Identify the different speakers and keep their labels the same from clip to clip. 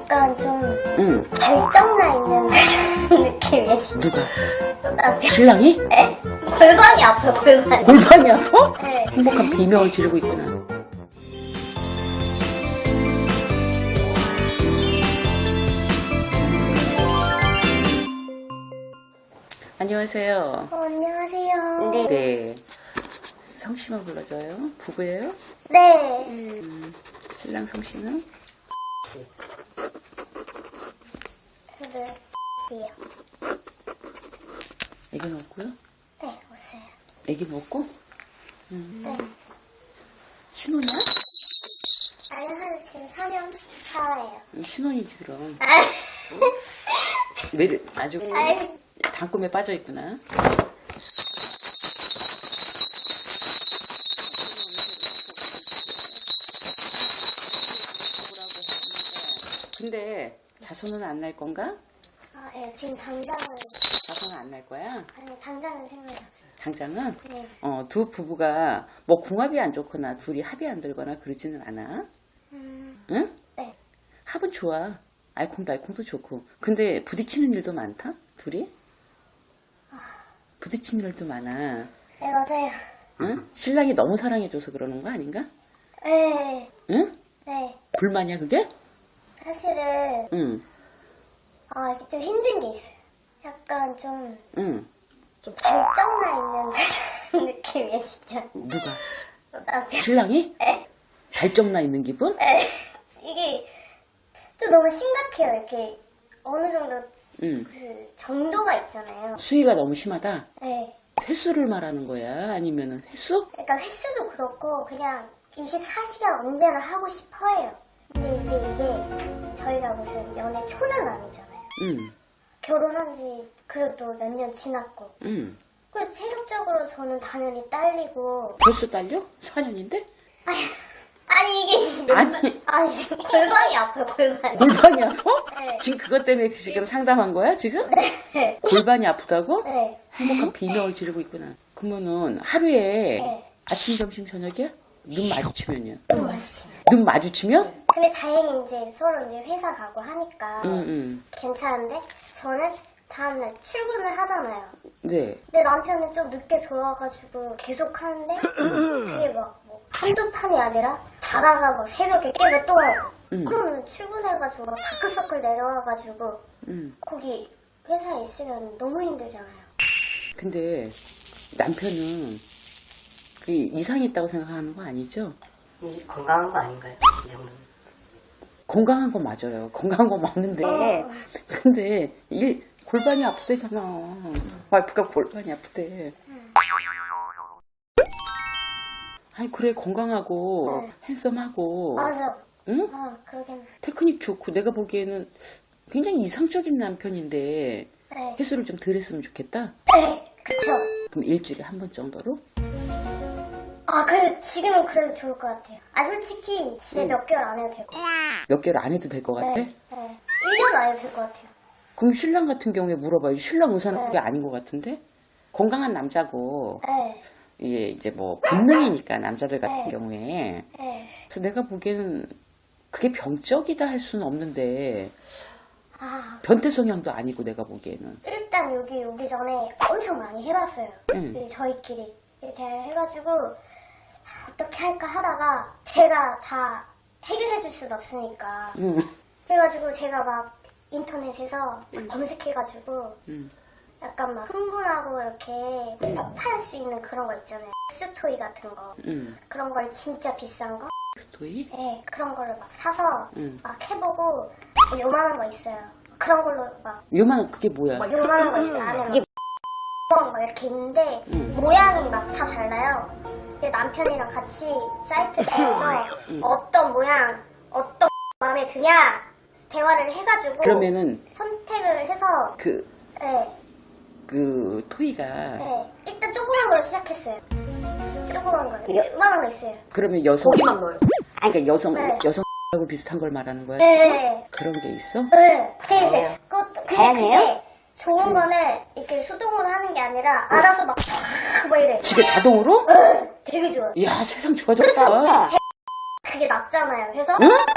Speaker 1: 약간 좀 결정나 있는 그런 느낌이에요. 진짜.
Speaker 2: 누가? 신랑이?
Speaker 1: 네. 골반이 아파요, 골반이.
Speaker 2: 골반이 아파?
Speaker 1: 네.
Speaker 2: 행복한 비명을 지르고 있구나. 안녕하세요.
Speaker 1: 안녕하세요.
Speaker 2: 네. 성씨만 불러줘요? 부부예요?
Speaker 1: 네.
Speaker 2: 신랑 성씨는?
Speaker 1: 저도 씨요.
Speaker 2: 애기는 없고요?
Speaker 1: 네, 오세요.
Speaker 2: 애기는 없고?
Speaker 1: 네.
Speaker 2: 신혼이야?
Speaker 1: 아니, 한 지금 4년 차예요.
Speaker 2: 신혼이지 그럼. 아주
Speaker 1: 아이.
Speaker 2: 단꿈에 빠져있구나. 근데 자손은 안 날 건가?
Speaker 1: 아, 예, 지금 당장은,
Speaker 2: 자손은 안 날 거야?
Speaker 1: 아니, 당장은 생각이 없어요.
Speaker 2: 당장은?
Speaker 1: 네.
Speaker 2: 두 부부가 뭐 궁합이 안 좋거나 둘이 합이 안 들거나 그러지는 않아? 응?
Speaker 1: 네.
Speaker 2: 합은 좋아. 알콩달콩도 좋고. 근데 부딪히는 일도 많다? 둘이? 부딪히는 일도 많아.
Speaker 1: 네, 맞아요.
Speaker 2: 응? 신랑이 너무 사랑해줘서 그러는 거 아닌가?
Speaker 1: 네.
Speaker 2: 응?
Speaker 1: 네.
Speaker 2: 불만이야 그게?
Speaker 1: 사실은,
Speaker 2: 응.
Speaker 1: 아, 이게 좀 힘든 게 있어요. 약간 좀
Speaker 2: 응.
Speaker 1: 결정나 있는 그런 느낌이에요, 진짜.
Speaker 2: 누가?
Speaker 1: 남편.
Speaker 2: 신랑이?
Speaker 1: 네.
Speaker 2: 발정나 있는 기분?
Speaker 1: 네. 이게 또 너무 심각해요. 이렇게 어느 정도
Speaker 2: 응.
Speaker 1: 그 정도가 있잖아요.
Speaker 2: 수위가 너무 심하다?
Speaker 1: 네.
Speaker 2: 횟수를 말하는 거야? 아니면은 횟수?
Speaker 1: 그러니까 횟수도 그렇고 그냥 24시간 언제나 하고 싶어해요. 근데 이제 이게 저희가 무슨 연애 초는 아니잖아요.
Speaker 2: 응.
Speaker 1: 결혼한 지 그래도 몇 년 지났고.
Speaker 2: 응.
Speaker 1: 그 체력적으로 저는 당연히 딸리고.
Speaker 2: 벌써 딸려? 4년인데?
Speaker 1: 아니 이게 지금
Speaker 2: 아니.
Speaker 1: 지금 골반이 아파요, 골반이.
Speaker 2: 골반이 아파?
Speaker 1: 네.
Speaker 2: 지금 그것 때문에 지금 상담한 거야 지금?
Speaker 1: 네.
Speaker 2: 골반이 아프다고?
Speaker 1: 네.
Speaker 2: 행복한 비명을 지르고 있구나. 그러면은 하루에
Speaker 1: 네.
Speaker 2: 아침, 점심, 저녁이야? 눈 마주치면요?
Speaker 1: 너무 맛있어요.
Speaker 2: 눈 마주치면?
Speaker 1: 근데 다행히 이제 서로 이제 회사 가고 하니까
Speaker 2: 응.
Speaker 1: 괜찮은데 저는 다음날 출근을 하잖아요.
Speaker 2: 네.
Speaker 1: 근데 남편은 좀 늦게 돌아와가지고 계속 하는데 그게 막 뭐 한두 판이 아니라 자다가 막 새벽에 깨면 또 하고 그러면 출근해가지고 막 다크서클 내려와가지고 거기 회사에 있으면 너무 힘들잖아요.
Speaker 2: 근데 남편은 그 이상이 있다고 생각하는 거 아니죠?
Speaker 3: 이 건강한 거 아닌가요? 이 정도는.
Speaker 2: 건강한 거 맞아요. 건강한 거 맞는데 근데 이게 골반이 아프대잖아. 와이프가 골반이 아프대. 아니 그래 건강하고 핸섬하고
Speaker 1: 맞아.
Speaker 2: 응?
Speaker 1: 아, 그러긴.
Speaker 2: 테크닉 좋고 내가 보기에는 굉장히 이상적인 남편인데
Speaker 1: 네.
Speaker 2: 횟수를 좀 덜 했으면 좋겠다.
Speaker 1: 네, 그쵸.
Speaker 2: 그럼 일주일에 한 번 정도로?
Speaker 1: 아, 그래도 지금은 그래도 좋을 것 같아요. 아, 솔직히 진짜 몇 개월 안 해도 될 것 같아요.
Speaker 2: 몇 개월 안 해도 될 것 같아?
Speaker 1: 네. 1년 안 해도 될 것 같아요.
Speaker 2: 그럼 신랑 같은 경우에 물어봐요. 신랑 의사는 그게 아닌 것 같은데? 건강한 남자고
Speaker 1: 네.
Speaker 2: 이게 이제 뭐 본능이니까 남자들 같은 경우에
Speaker 1: 네.
Speaker 2: 그래서 내가 보기에는 그게 병적이다 할 수는 없는데
Speaker 1: 아,
Speaker 2: 변태 성향도 아니고 내가 보기에는
Speaker 1: 일단 여기 오기 전에 엄청 많이 해봤어요.
Speaker 2: 응.
Speaker 1: 저희끼리 대화를 해가지고 어떻게 할까 하다가 제가 다 해결해줄 수는 없으니까 그래가지고 제가 막 인터넷에서 막 검색해가지고 약간 막 흥분하고 이렇게 폭발할 수 있는 그런 거 있잖아요. 섹스토이 같은 거 그런 걸 진짜 비싼 거
Speaker 2: 도이?
Speaker 1: 네, 그런 거를 막 사서 막 해보고 뭐 요만한 거 있어요. 그런 걸로 막
Speaker 2: 요만한 그게 뭐야?
Speaker 1: 요만한 거 있어요. 안에 그게 막 이렇게 있는데 모양이 막 다 달라요. 근데 남편이랑 같이 사이트에 가서 어떤 모양, 어떤 마음에 드냐 대화를 해가지고
Speaker 2: 그러면은
Speaker 1: 선택을 해서
Speaker 2: 그 토이가
Speaker 1: 네, 일단 조그만 걸로 시작했어요. 조그만 거, 요만한 거 있어요.
Speaker 2: 그러면 여성
Speaker 3: 고기만 넣어요.
Speaker 2: 그러니까
Speaker 1: 네.
Speaker 2: 여성하고 비슷한 걸 말하는 거야?
Speaker 1: 네.
Speaker 2: 그런 게 있어?
Speaker 1: 네. 그래서 그것도 근데
Speaker 3: 다양해요?
Speaker 1: 그게 좋은 거는 이렇게 수동으로 하는 게 아니라 알아서 막 이래.
Speaker 2: 지가 자동으로?
Speaker 1: 되게 좋아요.
Speaker 2: 이야 세상 좋아졌다.
Speaker 1: 그게 낫잖아요. 그래서
Speaker 2: 응?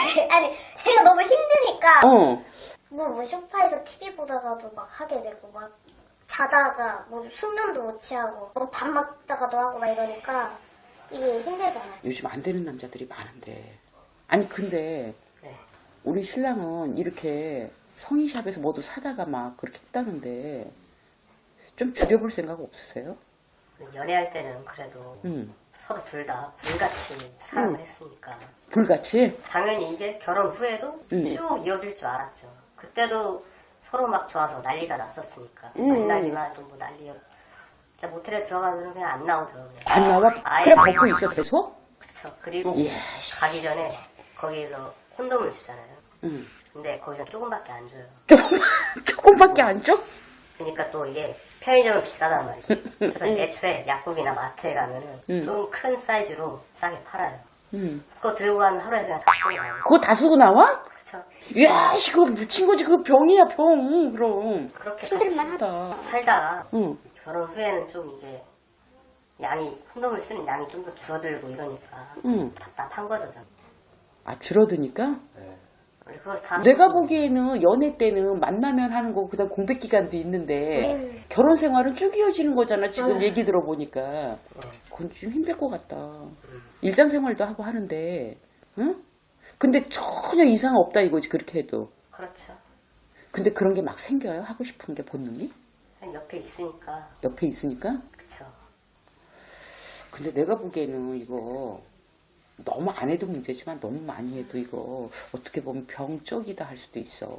Speaker 1: 아니 제가 너무 힘드니까
Speaker 2: 어.
Speaker 1: 뭐 소파에서 TV 보다가도 막 하게 되고 막 자다가 뭐 숙면도 못 취하고 뭐 밥 먹다가도 하고 막 이러니까 이게 힘들잖아요.
Speaker 2: 요즘 안 되는 남자들이 많은데. 아니 근데
Speaker 3: 네.
Speaker 2: 우리 신랑은 이렇게 성인샵에서 뭐도 사다가 막 그렇게 했다는데 좀 줄여볼 생각 없으세요?
Speaker 3: 연애할 때는 그래도
Speaker 2: 응.
Speaker 3: 서로 둘 다 불같이 사랑을 했으니까
Speaker 2: 불같이?
Speaker 3: 당연히 이게 결혼 후에도 쭉 이어질 줄 알았죠. 그때도 서로 막 좋아서 난리가 났었으니까 만나기만 해도 뭐 난리였. 진짜 모텔에 들어가면 그냥 안 나오죠. 그냥.
Speaker 2: 안 나와?
Speaker 3: 아예
Speaker 2: 그래
Speaker 3: 안
Speaker 2: 벗고
Speaker 3: 나와요.
Speaker 2: 있어 계속?
Speaker 3: 그쵸. 그리고
Speaker 2: 이야,
Speaker 3: 가기 전에 거기에서 콘돔을 주잖아요.
Speaker 2: 응.
Speaker 3: 근데 거기서 조금밖에 안 줘요.
Speaker 2: 조금밖에 안 줘?
Speaker 3: 그러니까 또 이게 편의점은 비싸단 말이죠. 그래서 애초에 약국이나 마트에 가면은 좀 큰 사이즈로 싸게 팔아요.
Speaker 2: 응.
Speaker 3: 그거 들고 가면 하루에 그냥 다 쓰고 나와요.
Speaker 2: 그거 다 쓰고 나와?
Speaker 3: 그쵸.
Speaker 2: 이야, 그거 묻힌 거지. 그거 병이야, 병. 그럼.
Speaker 3: 그렇게
Speaker 2: 힘들만 하다.
Speaker 3: 살다가
Speaker 2: 응.
Speaker 3: 결혼 후에는 좀 이게 양이 콘돔을 쓰는 양이 좀 더 줄어들고 이러니까
Speaker 2: 응.
Speaker 3: 답답한 거죠. 저는.
Speaker 2: 아, 줄어드니까?
Speaker 3: 그걸 다
Speaker 2: 내가 보기에는 연애 때는 만나면 하는 거고 그다음 공백 기간도 있는데 결혼 생활은 쭉 이어지는 거잖아. 지금 얘기 들어보니까 그건 좀 힘들 것 같다. 일상생활도 하고 하는데, 응? 근데 전혀 이상 없다 이거지 그렇게 해도.
Speaker 3: 그렇죠.
Speaker 2: 근데 그런 게 막 생겨요. 하고 싶은 게 본능이
Speaker 3: 그냥 옆에 있으니까
Speaker 2: 옆에 있으니까.
Speaker 3: 그쵸.
Speaker 2: 근데 내가 보기에는 이거 너무 안 해도 문제지만 너무 많이 해도 이거 어떻게 보면 병적이다 할 수도 있어.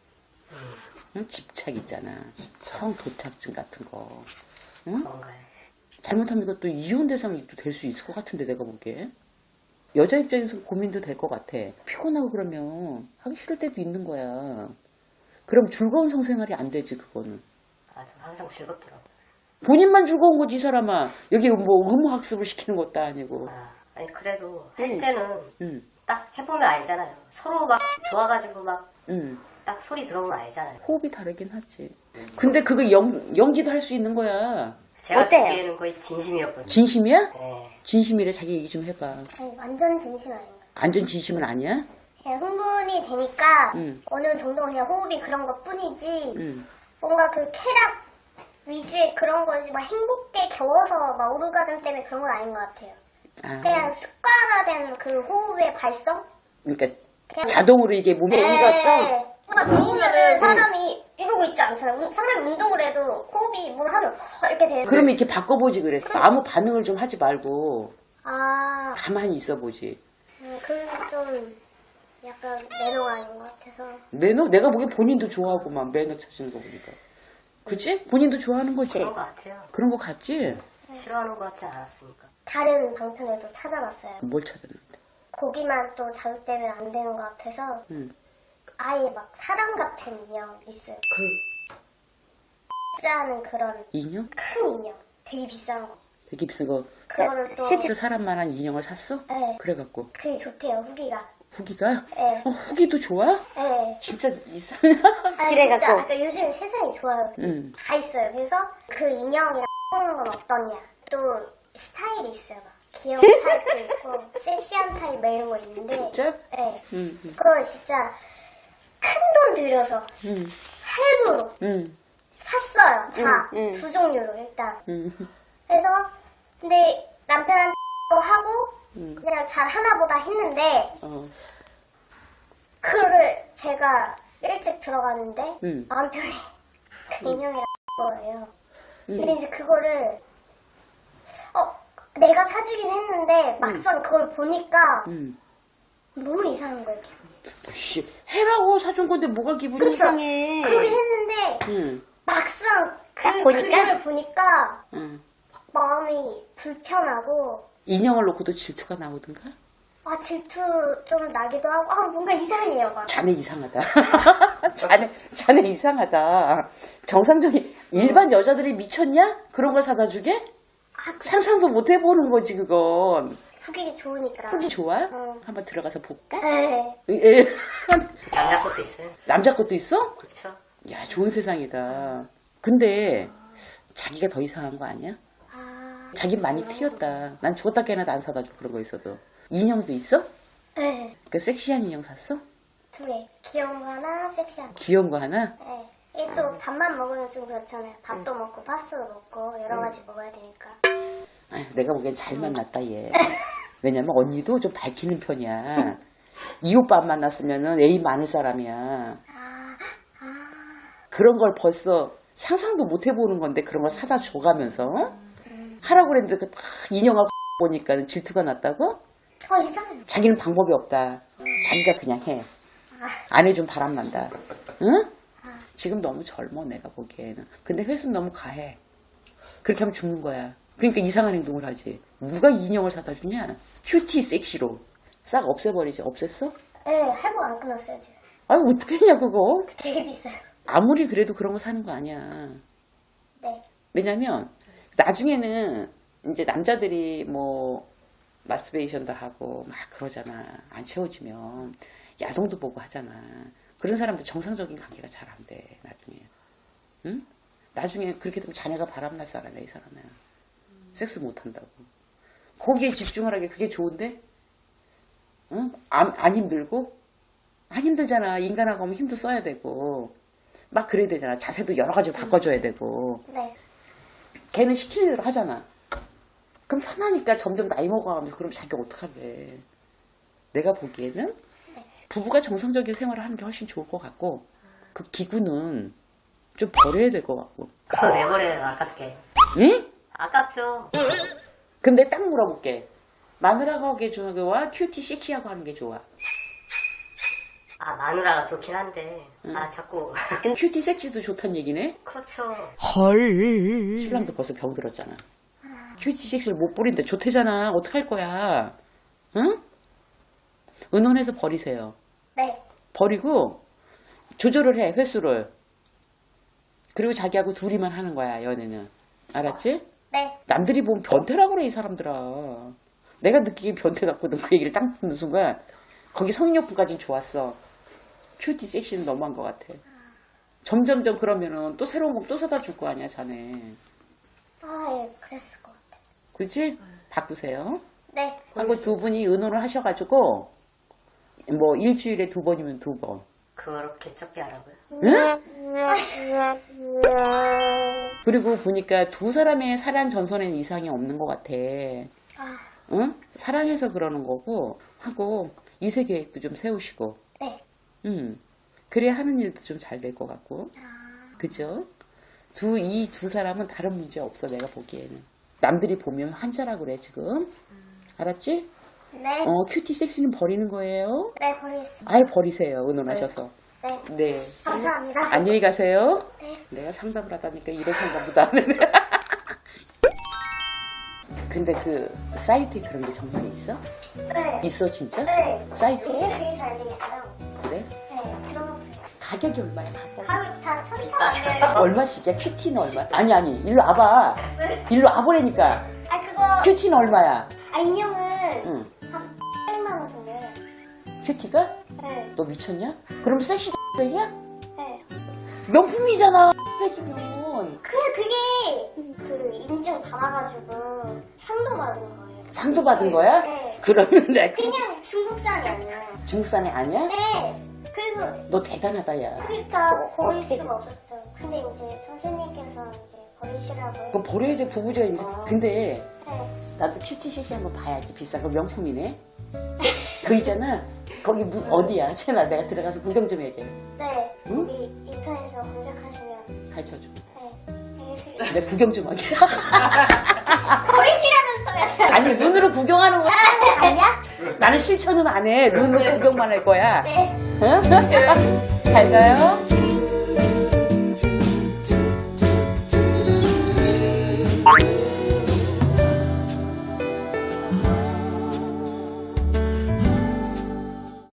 Speaker 2: 응? 집착 있잖아. 성도착증 같은 거. 응?
Speaker 3: 그런가요?
Speaker 2: 잘못하면 이것도 이혼 대상이 또 될 수 있을 것 같은데 내가 보기에. 여자 입장에서 고민도 될 것 같아. 피곤하고 그러면 하기 싫을 때도 있는 거야. 그럼 즐거운 성생활이 안 되지 그거는.
Speaker 3: 아, 좀 항상 즐겁더라고요.
Speaker 2: 본인만 즐거운 거지 이 사람아. 여기 뭐 의무 학습을 시키는 것도 아니고.
Speaker 3: 아니 그래도 할 때는
Speaker 2: 응.
Speaker 3: 딱 해보면 알잖아요. 서로 막 좋아가지고 막
Speaker 2: 응.
Speaker 3: 딱 소리 들어보면 알잖아요.
Speaker 2: 호흡이 다르긴 하지. 근데 그거 연기도 할 수 있는 거야.
Speaker 3: 제가
Speaker 1: 어때요?
Speaker 3: 듣기에는 거의 진심이었거든요.
Speaker 2: 진심이야?
Speaker 3: 네.
Speaker 2: 진심이래. 자기 얘기 좀 해봐.
Speaker 1: 아니, 완전 진심 아닌가요?
Speaker 2: 완전 진심은 아니야?
Speaker 1: 그냥 흥분이 되니까
Speaker 2: 응.
Speaker 1: 어느 정도 그냥 호흡이 그런 것 뿐이지
Speaker 2: 응.
Speaker 1: 뭔가 그 쾌락 위주의 그런 거지 막 행복에 겨워서 막 오르가즘 때문에 그런 건 아닌 것 같아요.
Speaker 2: 아,
Speaker 1: 그냥 습관화된 그 호흡의 발성?
Speaker 2: 그러니까
Speaker 1: 그냥
Speaker 2: 자동으로 이게 몸에 익었어?
Speaker 1: 뭔가 들어오면은 사람이 이러고 있지 않잖아요. 사람이 운동을 해도 호흡이 뭘 하면 이렇게 되는데
Speaker 2: 그러면 이렇게 바꿔보지 그랬어. 아무 반응을 좀 하지 말고
Speaker 1: 아,
Speaker 2: 가만히 있어보지.
Speaker 1: 그게 좀 약간 매너가 아닌 것 같아서
Speaker 2: 매너? 내가 보기엔 본인도 좋아하고만 매너 찾는 거 보니까. 그치? 본인도 좋아하는 거지?
Speaker 3: 그런 것 같아요.
Speaker 2: 그런 거 같지?
Speaker 3: 싫어하는 것 같지 않았으니까.
Speaker 1: 다른 방편을 또 찾아봤어요.
Speaker 2: 뭘 찾았는데?
Speaker 1: 거기만 또 자극되면 안 되는 것 같아서
Speaker 2: 응.
Speaker 1: 아예 막 사람 같은 인형 있어요. 비싸는 그런
Speaker 2: 인형?
Speaker 1: 큰 인형. 되게 비싼 거.
Speaker 2: 되게 비싼 거.
Speaker 1: 그거를 또
Speaker 2: 실제로 사람만한 인형을 샀어?
Speaker 1: 네.
Speaker 2: 그래갖고.
Speaker 1: 그게 좋대요, 후기가.
Speaker 2: 후기가?
Speaker 1: 네.
Speaker 2: 후기도 좋아?
Speaker 1: 네.
Speaker 2: 진짜 이상해.
Speaker 1: 아니,
Speaker 4: 그래갖고.
Speaker 1: 진짜 아까 요즘 세상이 좋아요.
Speaker 2: 응.
Speaker 1: 다 있어요. 그래서 그 인형이랑 보는 건 어떠냐. 또 스타일이 있어요. 막 귀여운 타입도 있고 섹시한 타입 막 이런 거 있는데
Speaker 2: 진짜?
Speaker 1: 네.
Speaker 2: 응.
Speaker 1: 그걸 진짜 큰 돈 들여서
Speaker 2: 응.
Speaker 1: 할부로
Speaker 2: 응.
Speaker 1: 샀어요. 다. 두 종류로 일단.
Speaker 2: 응.
Speaker 1: 그래서 근데 남편한테 또 하고 그냥 잘 하나보다 했는데
Speaker 2: 어.
Speaker 1: 그거를 제가 일찍 들어갔는데
Speaker 2: 응.
Speaker 1: 남편이 그 인형이랑 거예요. 근데 이제 그거를 내가 사주긴 했는데 막상 그걸 보니까
Speaker 2: 응.
Speaker 1: 너무 이상한 거예요. 기분이.
Speaker 2: 씨, 해라고 사준 건데 뭐가 기분이
Speaker 1: 그쵸?
Speaker 4: 이상해.
Speaker 1: 그러긴 했는데
Speaker 2: 응.
Speaker 1: 막상
Speaker 4: 딱
Speaker 1: 그
Speaker 4: 보니까?
Speaker 1: 그림을 보니까
Speaker 2: 응.
Speaker 1: 마음이 불편하고
Speaker 2: 인형을 놓고도 질투가 나오던가?
Speaker 1: 질투 좀 나기도 하고 뭔가 이상해요. 막.
Speaker 2: 자네 이상하다. 자네 이상하다. 정상적인 일반 여자들이 미쳤냐? 그런 걸 사다 주게? 상상도 못 해보는 거지 그건.
Speaker 1: 후기가 좋으니까.
Speaker 2: 후기 좋아?
Speaker 1: 어.
Speaker 2: 한번 들어가서 볼까?
Speaker 1: 네.
Speaker 2: 예.
Speaker 3: 남자 것도 있어요.
Speaker 2: 남자 것도 있어?
Speaker 3: 그렇죠.
Speaker 2: 야 좋은 세상이다. 근데 자기가 더 이상한 거 아니야?
Speaker 1: 아,
Speaker 2: 자기 많이 튀었다. 난 죽었다 깨나도 안 사다 줘 그런 거 있어도. 인형도 있어?
Speaker 1: 네.
Speaker 2: 그 섹시한 인형 샀어?
Speaker 1: 2개. 귀여운 거 하나, 섹시한 거.
Speaker 2: 귀여운 거 하나?
Speaker 1: 네. 이게 또 밥만 먹으면 좀 그렇잖아요. 밥도 먹고 파스타도 먹고 여러 가지 먹어야 되니까.
Speaker 2: 아휴, 내가 보기엔 잘 만났다 얘. 왜냐면 언니도 좀 밝히는 편이야. 이 오빠 안 만났으면은 애인 많을 사람이야. 그런 걸 벌써 상상도 못 해보는 건데 그런 걸 사다 줘가면서 하라고 그랬는데 그 딱 인형하고 보니까는 질투가 났다고?
Speaker 1: 이상해요.
Speaker 2: 자기는 방법이 없다. 자기가 그냥 해. 안 해준 바람 난다. 응? 지금 너무 젊어 내가 보기에는. 근데 회수는 너무 가해. 그렇게 하면 죽는 거야. 그러니까 이상한 행동을 하지. 누가 인형을 사다 주냐? 큐티 섹시로. 싹 없애버리지. 없앴어?
Speaker 1: 네, 할부가 안 끝났어요, 지금.
Speaker 2: 아니 어떻게 했냐 그거.
Speaker 1: 되게 비싸요.
Speaker 2: 아무리 그래도 그런 거 사는 거 아니야.
Speaker 1: 네.
Speaker 2: 왜냐면 나중에는 이제 남자들이 뭐 마스베이션도 하고 막 그러잖아. 안 채워지면 야동도 보고 하잖아. 그런 사람들 정상적인 관계가 잘 안 돼. 나중에. 응? 나중에 그렇게 되면 자녀가 바람날 사람이야 이 사람은. 섹스 못 한다고. 거기에 집중하라게 그게 좋은데? 응? 안 힘들고? 안 힘들잖아. 인간하고 하면 힘도 써야 되고. 막 그래야 되잖아. 자세도 여러 가지로 바꿔줘야 되고.
Speaker 1: 네.
Speaker 2: 걔는 시키는 대로 하잖아. 그럼 편하니까 점점 나이 먹어가면서 그럼 자기가 어떡하래. 내가 보기에는 부부가 정상적인 생활을 하는 게 훨씬 좋을 것 같고 그 기구는 좀 버려야 될 것 같고.
Speaker 3: 그거 내버려요, 아깝게.
Speaker 2: 응?
Speaker 3: 아깝죠.
Speaker 2: 근데 딱 물어볼게. 마누라가 하는 게 좋아? 큐티 섹시하고 하는 게 좋아?
Speaker 3: 아, 마누라가 좋긴 한데. 아, 자꾸.
Speaker 2: 큐티 섹시도 좋단 얘기네?
Speaker 3: 그렇죠.
Speaker 2: 신랑도 벌써 병들었잖아. 큐티 섹시를 못 버린데 좋대잖아. 어떡할 거야? 응? 은혼해서 버리세요.
Speaker 1: 네.
Speaker 2: 버리고 조절을 해, 횟수를. 그리고 자기하고 둘이만 하는 거야, 연애는. 알았지?
Speaker 1: 네.
Speaker 2: 남들이 보면 변태라고 그래, 이 사람들아. 내가 느끼기엔 변태 같거든. 그 얘기를 딱 듣는 순간 거기 성욕부까진 좋았어. 큐티 섹시는 너무한 것 같아. 점점점 그러면은 또 새로운 거 또 사다 줄 거 아니야, 자네.
Speaker 1: 예, 그랬을 것 같아요.
Speaker 2: 그치? 바꾸세요.
Speaker 1: 네.
Speaker 2: 하고 두 분이 의논을 하셔가지고 뭐 일주일에 2번이면 2번.
Speaker 3: 그렇게 적게 하라고요?
Speaker 2: 응? 그리고 보니까 두 사람의 사랑 전선에는 이상이 없는 것 같아. 응? 사랑해서 그러는 거고 하고 이세 계획도 좀 세우시고.
Speaker 1: 네.
Speaker 2: 그래야 하는 일도 좀 잘 될 것 같고. 그죠? 이 두 사람은 다른 문제 없어 내가 보기에는. 남들이 보면 환자라 그래 지금. 알았지?
Speaker 1: 네.
Speaker 2: 큐티 섹시는 버리는 거예요.
Speaker 1: 네, 버리겠습니다.
Speaker 2: 아예 버리세요. 의논하셔서.
Speaker 1: 네.
Speaker 2: 네.
Speaker 1: 감사합니다.
Speaker 2: 안녕히 가세요.
Speaker 1: 네.
Speaker 2: 내가 상담을 하다니까 이런 상담보다 안 하네. 근데 그 사이트에 그런 게 정말 있어?
Speaker 1: 네.
Speaker 2: 있어 진짜?
Speaker 1: 네.
Speaker 2: 사이트에?
Speaker 1: 되게 잘 돼 있어요.
Speaker 2: 그래?
Speaker 1: 네, 들어보세요.
Speaker 2: 가격이 얼마야?
Speaker 1: 가격 다 천차만별.
Speaker 2: 얼마씩이야? 큐티는 얼마야? 아니 일로 와봐. 일로 와보라니까.
Speaker 1: 그거,
Speaker 2: 큐티는 얼마야?
Speaker 1: 인형은
Speaker 2: 응.
Speaker 1: 한 800만 원 정도예요.
Speaker 2: 큐티가?
Speaker 1: 네.
Speaker 2: 너 미쳤냐? 그럼 섹시 백이야?
Speaker 1: 네.
Speaker 2: 명품이잖아. 백이면.
Speaker 1: 그게 그 인증 받아가지고 상도 받은 거예요.
Speaker 2: 상도 받은 거야?
Speaker 1: 네.
Speaker 2: 그러면 내가
Speaker 1: 그냥 중국산이 아니에요.
Speaker 2: 중국산이 아니야?
Speaker 1: 네. 그래서
Speaker 2: 너 대단하다 야.
Speaker 1: 그러니까 버릴 수가 없었죠. 근데 이제 선생님께서 이제 버리시라고.
Speaker 2: 그거 버려야 돼 부부지가 있어. 근데
Speaker 1: 네.
Speaker 2: 나도 큐티 섹시 한번 봐야지. 비싼 거 명품이네. 그 있잖아. 거기 어디야? 채널 내가 들어가서 구경 좀 해야겠네.
Speaker 1: 네.
Speaker 2: 응?
Speaker 1: 여기 인터넷에서 검색하시면.
Speaker 2: 가르쳐줘.
Speaker 1: 네. 알겠습니다.
Speaker 2: 내가 구경 좀 하게.
Speaker 1: 버리시라면서요.
Speaker 2: 아니 눈으로 구경하는 거.
Speaker 1: 아니야?
Speaker 2: 나는 실천은 안 해. 눈으로 구경만 할 거야.
Speaker 1: 네.
Speaker 2: 응? 잘 가요.